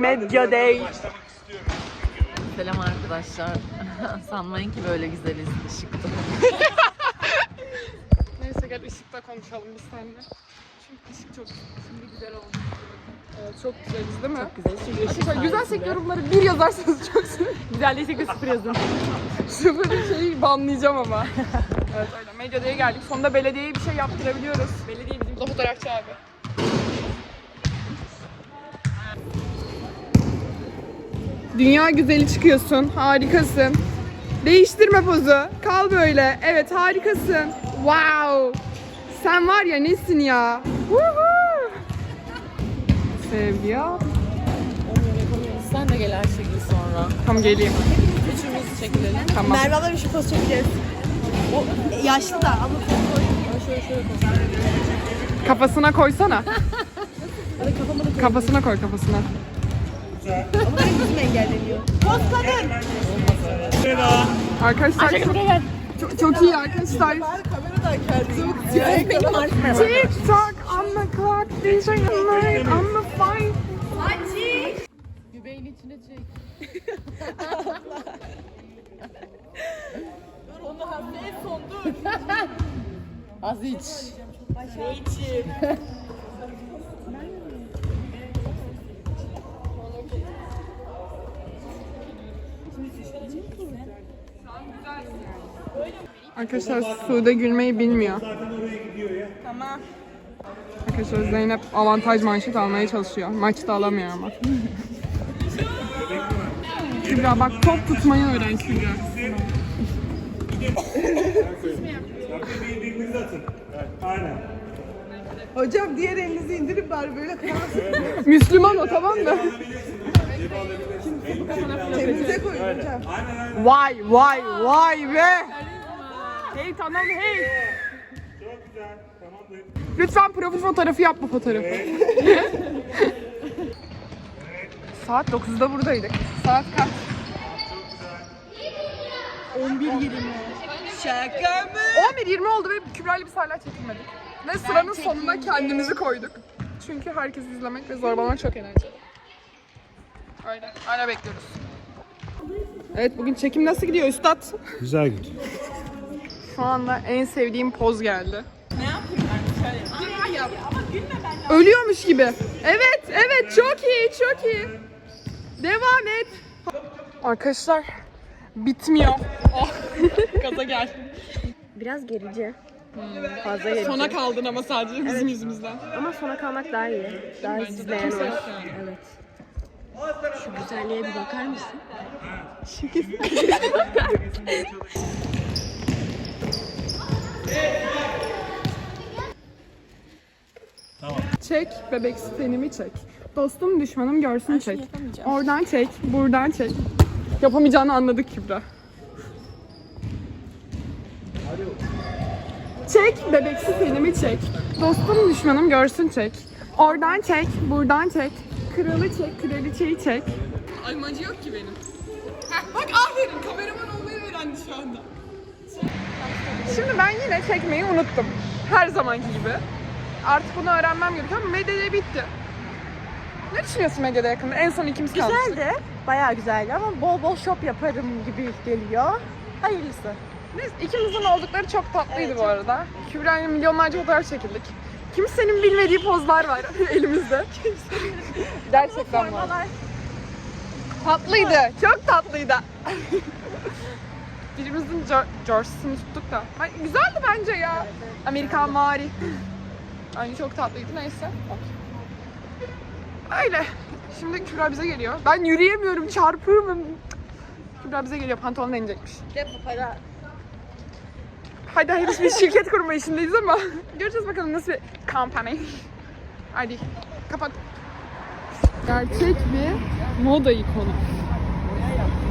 Medya Day. Selam arkadaşlar. Sanmayın ki böyle güzeliz ışıkta. Neyse gel ışıkta konuşalım biz seninle. Çünkü ışık çok güzel oldu. Evet, çok güzeliz değil mi? Çok güzel. Çünkü ışık Arkadaşlar güzelsek yorumları bir yazarsanız çok sevinirim. güzel değilse de sıfır yazın. Sıfır şeyi banlayacağım ama. Evet öyle. Medya'ya geldik. Sonunda belediyeye bir şey yaptırabiliyoruz. Belediye bizim fotoğrafçı abi. Dünya güzeli çıkıyorsun. Harikasın. Değiştirme pozu. Kal böyle. Evet harikasın. Wow. Sen var ya nesin ya? Woohoo. Sevgi ya. Sen de gel Ayşegül sonra. Tamam geleyim. Üçümüz çekilelim. Tamam. Merve abla bir şey poz çekeceğiz. O yaşlı da ama Şöyle koy. Kafasına koysana. Kafasına koy kafasına. ama benim yüzüm engelleniyor. Poz kadın. Arkadaşlar çok iyi arkadaşlar. Kameradan kendimi Benim artık Tick tock on the clock, DJ night on the fight. Göbeğin içine çek. Dur onu en son dur. Az iç. Ne içeyim? Arkadaşlar Sude gülmeyi bilmiyor. Tamam. Arkadaşlar Zeynep avantaj manşet almaya çalışıyor. Maçta alamıyor ama. Kübra bak top tutmayı öğren Kübra. Birbirinize atın. Evet, aynen. Hocam diğer elinizi indirip bari böyle kalsın. Müslüman o tamam mı? Cebinize koyun hocam. Vay vay vay be. Hey tamam hey. Çok güzel. Tamamdır. Lütfen profil fotoğrafı yap bu fotoğrafı. Saat 9'da buradaydık. Saat kaç? 11.20. Şaka mı? 11:20 oldu ve Kübra ile biz hala çekilmedik. Ve sıranın sonuna kendimizi koyduk. Çünkü herkesi izlemek ve zorbalamak çok eğlenceli. Öyle. Hala bekliyoruz. Evet bugün çekim nasıl gidiyor üstad? Güzel gidiyor. Şu anda en sevdiğim poz geldi. Ne yapayım ben? Ölüyormuş gibi. Evet, evet çok iyi, çok iyi. Devam et. Arkadaşlar bitmiyor. Oh. Gaza gel. Biraz gerici. Fazla gerici. Sona kaldın ama sadece bizim yüzümüzden. Ama sona kalmak daha iyi. Daha izleyen olur. Evet. Şu güzelliğe bir bakar mısın? Çek, bebek tenimi çek. Dostum düşmanım görsün çek. Oradan çek, buradan çek. Yapamayacağını anladık Kübra. Çek, bebeksi tenimi çek. Dostum düşmanım görsün çek. Oradan çek, buradan çek. Kralı çek, kraliçeyi çek. Almancı yok ki benim. Heh, bak aferin, kameraman olmayı öğrendi şu anda. Şimdi ben yine çekmeyi unuttum. Her zamanki gibi. Artık bunu öğrenmem gerekiyor ama medyada bitti. Ne düşünüyorsun medyada yakında? En son ikimiz kalmıştık. Güzeldi. Bayağı güzeldi ama bol bol shop yaparım gibi geliyor. Hayırlısı. Neyse, ikimizin oldukları çok tatlıydı bu arada. Kübra'yla milyonlarca fotoğraf çekildik. Kimsenin bilmediği pozlar var elimizde. Gerçekten var. Tatlıydı, çok tatlıydı. Birimizin George'sını tuttuk da. Güzeldi bence ya. Amerikan vari. Yani çok tatlıydı neyse. Öyle. Şimdi Kübra bize geliyor. Ben yürüyemiyorum, çarpıyorum. Kübra bize geliyor, pantolonu inecekmiş. Depo para. Hadi henüz bir şirket kurma işindeyiz ama göreceğiz bakalım nasıl bir company. Hadi kapat. Gerçek bir moda ikonu.